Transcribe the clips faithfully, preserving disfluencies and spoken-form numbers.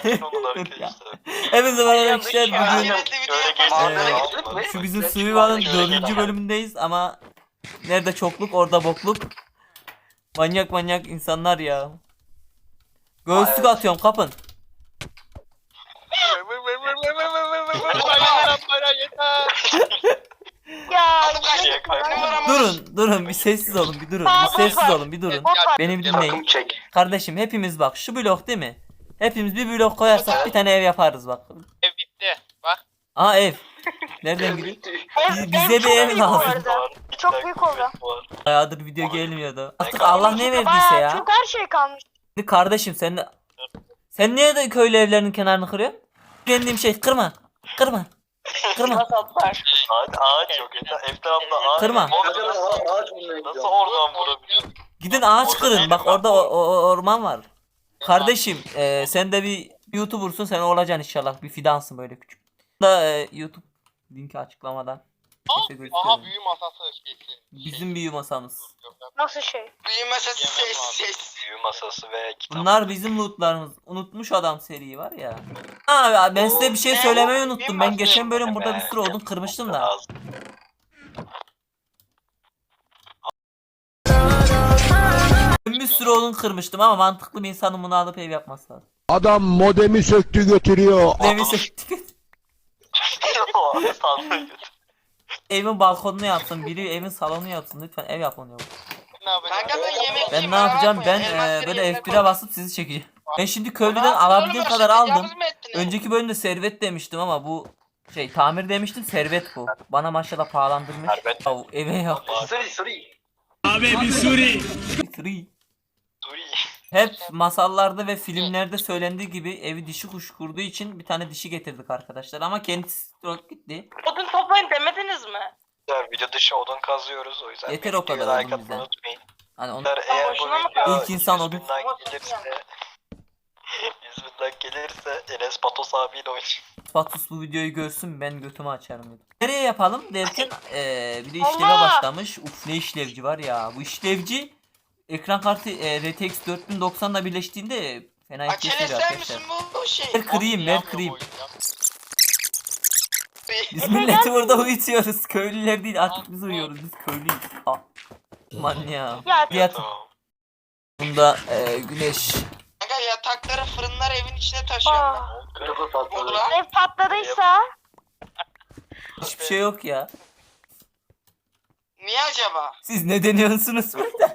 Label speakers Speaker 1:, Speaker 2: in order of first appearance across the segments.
Speaker 1: Sakin olun arkadaşlar.
Speaker 2: Hepinize merhaba arkadaşlar.
Speaker 1: Aynen,
Speaker 2: Bugün
Speaker 1: şöyle
Speaker 2: Ee,
Speaker 1: geçti.
Speaker 2: şu bizim Survival'ın dördüncü bölümündeyiz ama nerede çokluk orada bokluk. Manyak manyak insanlar ya. Göğüslük
Speaker 1: Evet.
Speaker 2: atıyorum, kapın.
Speaker 3: Ya
Speaker 1: Şeye kaybettim.
Speaker 2: Durun durun bir sessiz olun bir durun. Bir sessiz olun bir durun. Beni bir dinleyin.
Speaker 1: Takım çek.
Speaker 2: Kardeşim hepimiz bak şu blok değil mi? Hepimiz bir blok koyarsak bir tane ev yaparız bak.
Speaker 4: Ev bitti. Bak.
Speaker 2: Aa ev. Nereden gidiyor?
Speaker 3: ev,
Speaker 2: Bize
Speaker 3: ev
Speaker 2: bir
Speaker 3: çok
Speaker 2: ev
Speaker 3: büyük
Speaker 2: lazım.
Speaker 3: bu arada. Çok büyük oldu.
Speaker 2: Bayağıdır video gelmiyordu. Artık
Speaker 1: kaldı?
Speaker 2: Allah ne verdiyse
Speaker 3: Bayağı
Speaker 2: ya.
Speaker 3: çok her şey kalmış.
Speaker 2: Şimdi kardeşim sen de... Sen niye de köylü evlerinin kenarını kırıyorsun? Beğendiğim şey kırma. Kırma. Kırma.
Speaker 1: Ağaç, ağaç yok. Etrafta ağaç.
Speaker 2: Kırma.
Speaker 1: Nasıl oradan vurabiliyorsun?
Speaker 2: Gidin ağaç
Speaker 1: Orada
Speaker 2: kırın.
Speaker 1: değilim
Speaker 2: Bak
Speaker 1: ben.
Speaker 2: orada o, o- orman var. Kardeşim e, sen de bir YouTuber'sun, sen olacaksın inşallah. Bir fidansın böyle küçük. Da e, YouTube linki açıklamadan. Neyse, gözüküyor.
Speaker 4: Aha büyü masası şeysi.
Speaker 2: Bizim büyü masamız.
Speaker 3: Nasıl şey?
Speaker 4: Büyü masası
Speaker 1: Yemem
Speaker 4: ses
Speaker 1: lazım.
Speaker 4: ses.
Speaker 1: Büyü masası ve kitap.
Speaker 2: Bunlar bizim lootlarımız. Unutmuş adam seri var ya. Ha ben size bir şey söylemeyi unuttum. Ben geçen bölüm burada bir sürü odun kırmıştım da.
Speaker 1: Lazım.
Speaker 2: Ben bir sürü odun kırmıştım ama mantıklı bir insanın bunu alıp ev yapması lazım.
Speaker 5: Adam modemi söktü götürüyor.
Speaker 2: Demin söktük.
Speaker 1: Sandığı götür.
Speaker 2: Evin balkonunu yapsın, biri evin salonunu yapsın. Lütfen ev yapın ya.
Speaker 4: Kanka ben yemek
Speaker 2: Ben ne yapacağım? Ben e, böyle F bir'e basıp sizi çekeceğim. Ben şimdi köylüden alabildiğim kadar aldım. Önceki bölümde servet demiştim ama bu şey tamir demiştim, servet bu. Bana maşallah pahalandırmış.
Speaker 1: Servet.
Speaker 2: Ya, eve yap.
Speaker 1: Suri suri.
Speaker 2: Free.
Speaker 1: Suri.
Speaker 2: Hep masallarda ve filmlerde söylendiği gibi evi dişi kuş kurduğu için bir tane dişi getirdik arkadaşlar ama kendisi stroke gitti.
Speaker 6: Odun toplayın demediniz mi?
Speaker 1: Video dışı odun kazıyoruz o yüzden.
Speaker 2: Yeter o kadar
Speaker 1: videoya like
Speaker 2: odun bize.
Speaker 1: atmayı unutmayın.
Speaker 2: Hani onu
Speaker 1: Eğer bu
Speaker 6: boşuna mı
Speaker 1: video
Speaker 2: İlk insan
Speaker 1: yüz
Speaker 2: odun-
Speaker 1: bin like gelirse yüz bin like gelirse Enes Patos abiyle oynayacak.
Speaker 2: Fatus bu videoyu görsün, ben götümü açarım dedim. Nereye yapalım derken eee bir de işleve
Speaker 3: Allah!
Speaker 2: başlamış. Uf ne işlevci var ya. Bu işlevci ekran kartı e, R T X dört bin doksanla birleştiğinde fena
Speaker 4: Açel
Speaker 2: ihtiyaç
Speaker 4: ister
Speaker 2: arkadaşlar.
Speaker 4: misin bu şey?
Speaker 2: Ver kırayım, ver kırayım.
Speaker 4: Biz
Speaker 2: Biz milleti burada uyutuyoruz. Köylüler değil, artık biz uyuyoruz. Biz köylüyüz. Ah. Aman ya.
Speaker 3: Ya
Speaker 2: Yat.
Speaker 1: Tamam.
Speaker 2: Bunda e, güneş.
Speaker 4: Kanka yatakları fırınlar evin içine taşıyorum
Speaker 3: Aa,
Speaker 4: ben. Oldu lan.
Speaker 3: ev patladıysa
Speaker 2: Hiçbir şey yok ya.
Speaker 4: Niye acaba?
Speaker 2: Siz ne deniyorsunuz burada?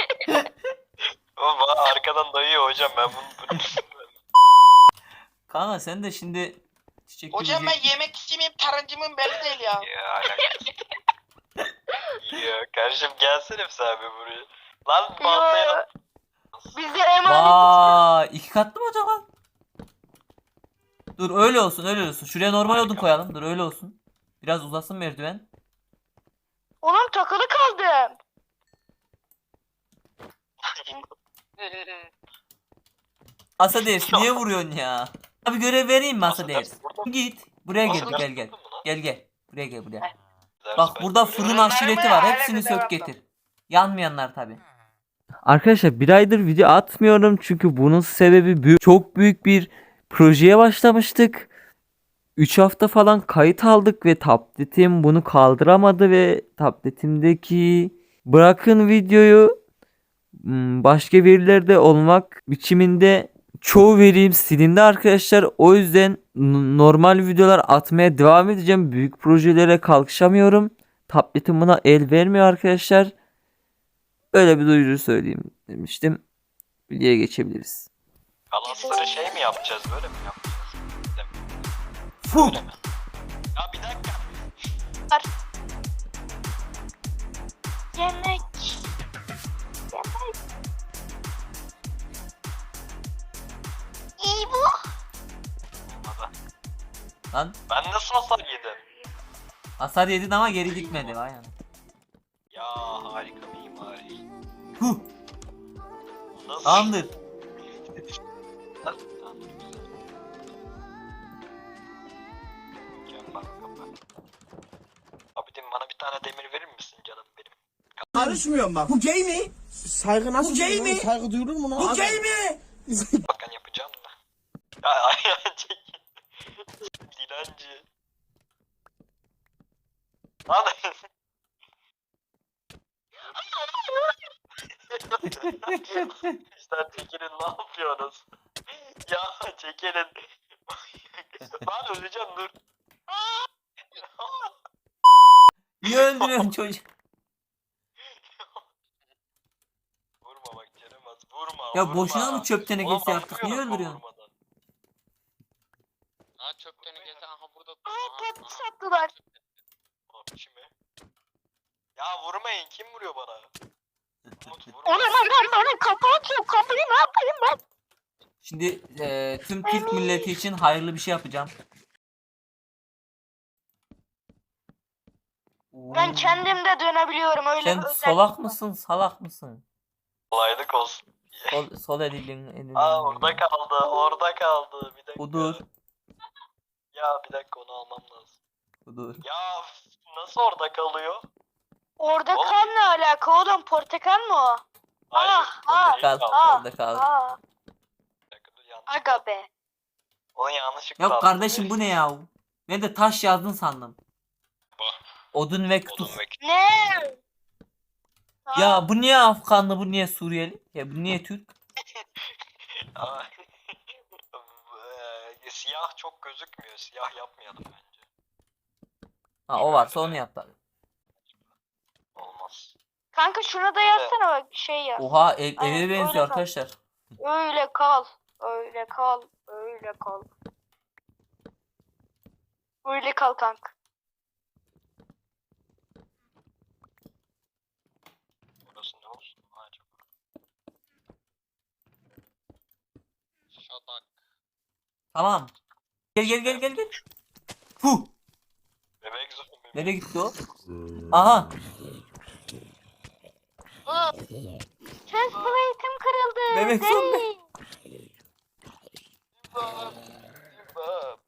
Speaker 1: Ama bana arkadan dayıyor hocam ben bunu.
Speaker 2: Kanka sen de şimdi çiçek
Speaker 4: Hocam ben
Speaker 2: yiyecek-
Speaker 4: yemek istemeyeyim tarancımın belli değil ya.
Speaker 1: Ya alakası. Ya kardeşim gelsene bir sen bir buraya. Lan baltaya
Speaker 3: bize emanet.
Speaker 2: Vay, iki katlı mı acaba? Dur öyle olsun, öyle olsun. Şuraya normal odun koyalım. Dur öyle olsun. Biraz uzasın merdiven.
Speaker 3: Oğlum takılı kaldım.
Speaker 2: Asa Devs niye vuruyorsun ya? Abi görev vereyim mi Asa Devs? Git. Buraya gel, gel gel. Gel gel. Buraya gel buraya. Bak burada fırın aşireti var. Hepsini sök getir. Yanmayanlar tabi. Arkadaşlar bir aydır video atmıyorum çünkü bunun sebebi büyük, çok büyük bir projeye başlamıştık. üç hafta falan kayıt aldık ve tabletim bunu kaldıramadı ve tabletimdeki bırakın videoyu hmm, başka verilerde olmak biçiminde çoğu verim silindi arkadaşlar. O yüzden n- normal videolar atmaya devam edeceğim. Büyük projelere kalkışamıyorum. Tabletim buna el vermiyor arkadaşlar. Öyle bir duyuru söyleyeyim demiştim. Videoya geçebiliriz.
Speaker 1: Kalasları şey mi yapacağız böyle mi yapacağız?
Speaker 2: Fuh!
Speaker 1: Öyle mi? Ya bir dakika.
Speaker 3: Yemek. İyi bu.
Speaker 1: Olmadı.
Speaker 2: Lan
Speaker 1: Ben nasıl hasar yedim?
Speaker 2: hasar yedin ama geri gitmedi. Vay anam.
Speaker 1: Ya harika mimari.
Speaker 2: Huh!
Speaker 1: Nasıl?
Speaker 2: Tamamdır.
Speaker 1: Tamam, güzel. Gel bak, kapat. Abidim bana bir tane demir verir misin canım benim?
Speaker 7: Karışmıyorum bak. Bu gay mi? Saygı nasıl? Bu gay mi? Saygı duyulur mu lan? Bu gay mi?
Speaker 1: Bakan yapacağım da. Ayağın çekin. Dilenci. Lan. İşte çekilin ne yapıyorsunuz? Ya çekilin. Lan öleceğim dur.
Speaker 2: Niye öldürüyorsun çocuğu?
Speaker 1: Vurma bak Kerem az vurma.
Speaker 2: Ya
Speaker 1: vurma.
Speaker 2: boşuna mı çöp tenekesi
Speaker 1: Oğlum,
Speaker 2: yaptık? Niye
Speaker 1: atmıyorum
Speaker 2: öldürüyorsun?
Speaker 1: vurmadan.
Speaker 4: Ha çöp tenekesi aha burada.
Speaker 3: Aa patates attılar.
Speaker 1: Abi mi? Ya vurmayın kim vuruyor bana? Umut vurma.
Speaker 3: Onu ben ben ben kapı açıyorum. Kapıyı ne yapayım ben?
Speaker 2: Şimdi eee, tüm Türk milleti için hayırlı bir şey yapacağım.
Speaker 3: Ben kendim de dönebiliyorum öyle
Speaker 2: Sen
Speaker 3: bir özellik
Speaker 2: solak
Speaker 3: var.
Speaker 2: mısın, salak mısın?
Speaker 1: Kolaylık olsun.
Speaker 2: Sol, sol elin, elin.
Speaker 1: Aa orada kaldı orada kaldı bir dakika.
Speaker 2: Budur,
Speaker 1: Ya bir dakika onu almam lazım.
Speaker 2: budur.
Speaker 1: Ya nasıl orada kalıyor?
Speaker 3: Orada
Speaker 1: Oğlum.
Speaker 3: kan ne alaka oğlum? Portakal mı o?
Speaker 1: Hayır.
Speaker 3: Ah,
Speaker 1: orada
Speaker 3: ah,
Speaker 1: değil
Speaker 2: Kal,
Speaker 1: kaldı.
Speaker 3: ah.
Speaker 2: orada kal.
Speaker 3: Aa,
Speaker 1: Bir dakika, dur, yanlış.
Speaker 3: aga be.
Speaker 1: Onu yanlışlıkla
Speaker 2: Ya
Speaker 1: attım.
Speaker 2: kardeşim bu ne ya? Ben de taş yazdın sandım. Odun ve kütük.
Speaker 1: Odun ve kütük.
Speaker 3: Ne? Aa,
Speaker 2: Ya bu niye Afganlı, bu niye Suriyeli? Ya bu niye Türk?
Speaker 1: Aa, eee, Siyah çok gözükmüyor. Siyah yapmayalım bence.
Speaker 2: Ha o varsa onu yap tabii.
Speaker 1: Olmaz.
Speaker 3: kanka şuna da yazsana bak şey yaz.
Speaker 2: Oha ev,
Speaker 3: Aynen,
Speaker 2: eve
Speaker 3: öyle
Speaker 2: benziyor
Speaker 3: kal.
Speaker 2: arkadaşlar.
Speaker 3: Öyle kal. Öyle kal. Öyle kal. Öyle kal kanka.
Speaker 1: Burası ne olsun acaba?
Speaker 4: Şadak.
Speaker 2: Tamam. Gel gel gel gel gel. Huh.
Speaker 1: Bebek zombi.
Speaker 2: Nereye gitti o? Aha.
Speaker 3: Chest plate'im kırıldı.
Speaker 2: Bebek
Speaker 3: Zey.
Speaker 2: zombi.
Speaker 1: İmdat, imdat.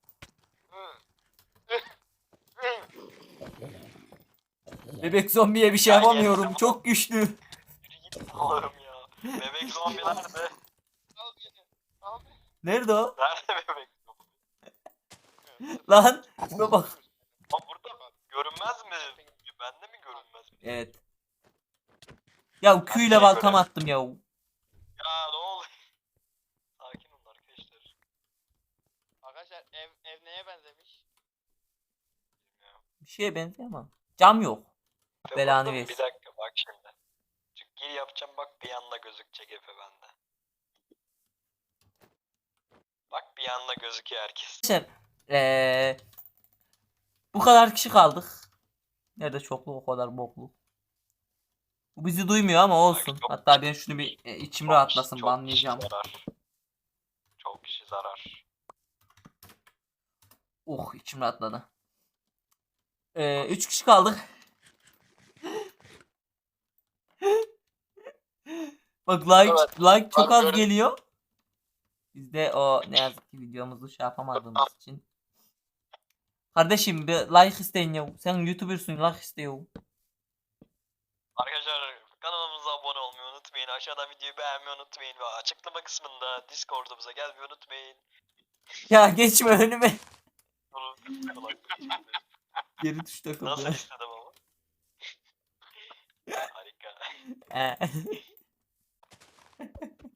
Speaker 2: Bebek zombiye bir şey
Speaker 1: Ya
Speaker 2: yapamıyorum.
Speaker 1: yeter.
Speaker 2: Çok güçlü.
Speaker 1: Yürü git Allah'ım ya. Bebek zombi nerede?
Speaker 4: Al beni. Al beni.
Speaker 2: Nerede o?
Speaker 1: Nerede bebek zombi?
Speaker 2: Lan. Şuna bak.
Speaker 1: Aa burada görünmez mi? Bende mi görünmez mi?
Speaker 2: Evet. Ya Q ile baltam attım ya.
Speaker 1: Ya ne oluyor? Sakin olun arkadaşlar.
Speaker 4: Arkadaşlar ev ev neye benzemiş?
Speaker 2: Bir şeye benziyor ama. Cam yok.
Speaker 1: Efe
Speaker 2: Belanı
Speaker 1: buldum,
Speaker 2: versin.
Speaker 1: Bir dakika bak şimdi. Çünkü gir yapacağım bak bir anda gözükecek Efe bende. Bak bir anda gözüküyor herkes.
Speaker 2: Arkadaşlar eee, bu kadar kişi kaldık. Nerede çokluk o kadar bokluk. Bu bizi duymuyor ama olsun.
Speaker 1: Çok-
Speaker 2: Hatta ben şunu bir e, içim
Speaker 1: Çok
Speaker 2: rahatlasın,
Speaker 1: kişi- çok
Speaker 2: banlayacağım.
Speaker 1: kişi zarar. Çok kişi zarar.
Speaker 2: Oh içim rahatladı. Ee, üç kişi kaldık. Bak like
Speaker 1: Evet.
Speaker 2: like çok
Speaker 1: Ben
Speaker 2: az
Speaker 1: gördüm.
Speaker 2: geliyor. Biz de o ne yazık ki videomuzu şey yapamadığımız için. Kardeşim bir like isteyin ya. Sen YouTuber'sın, like istiyor.
Speaker 1: Arkadaşlar kanalımıza abone olmayı unutmayın. Aşağıda videoyu beğenmeyi unutmayın. Ve açıklama kısmında Discord'umuza gelmeyi unutmayın.
Speaker 2: Ya geçme önüme.
Speaker 1: Bunu-
Speaker 2: Geri tuş takıldı.
Speaker 1: Nasıl istedim ama? Harika.
Speaker 2: Ee.